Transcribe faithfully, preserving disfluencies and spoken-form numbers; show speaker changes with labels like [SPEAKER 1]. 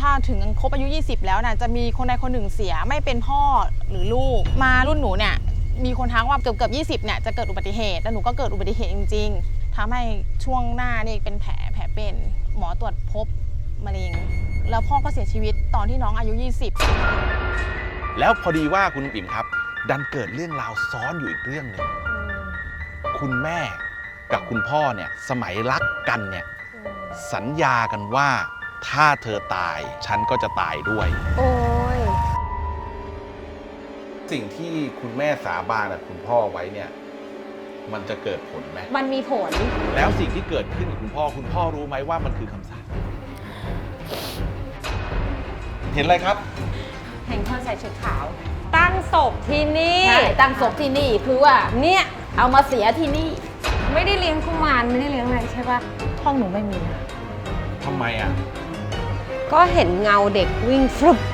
[SPEAKER 1] ถ้าถึงครบอายุยี่สิบแล้วนะจะมีคนใดคนหนึ่งเสียไม่เป็นพ่อหรือลูกมารุ่นหนูเนี่ยมีคนทักว่าเกือบเกือบยี่สิบเนี่ยจะเกิดอุบัติเหตุแล้วหนูก็เกิดอุบัติเหตุจริงๆทำให้ช่วงหน้านี่เป็นแผลแผลเป็นหมอตรวจพบมะเร็งแล้วพ่อก็เสียชีวิตตอนที่น้องอายุยี่สิบ
[SPEAKER 2] แล้วพอดีว่าคุณปิ่มครับดันเกิดเรื่องราวซ้อนอยู่อีกเรื่องหนึ่งคุณแม่กับคุณพ่อเนี่ยสมัยรักกันเนี่ยสัญญากันว่าถ้าเธอตายฉันก็จะตายด้วย
[SPEAKER 3] โอ้ย
[SPEAKER 2] สิ่งที่คุณแม่สาบานกับคุณพ่อไว้เนี่ยมันจะเกิดผลไหม
[SPEAKER 3] มันมีผล
[SPEAKER 2] แล้วสิ่งที่เกิดขึ้นกับคุณพ่อคุณพ่อรู้ไหมว่ามันคือคำสาปเห็นอะไรครับ
[SPEAKER 3] เห็นคนใส่ชุดขาวตั้งศพที่นี่
[SPEAKER 4] ใช่ตั้งศพที่นี่คือว่าเนี่ยเอามาเสียที่นี่
[SPEAKER 3] ไม่ได้เลี้ยงกุมารไม่ได้เลี้ยงอะไรใช่ปะ
[SPEAKER 1] ห้องหนูไม่มีนะ
[SPEAKER 2] ทำไมอ่ะ
[SPEAKER 3] ก็เห็นเงาเด็กวิ่งฟลุป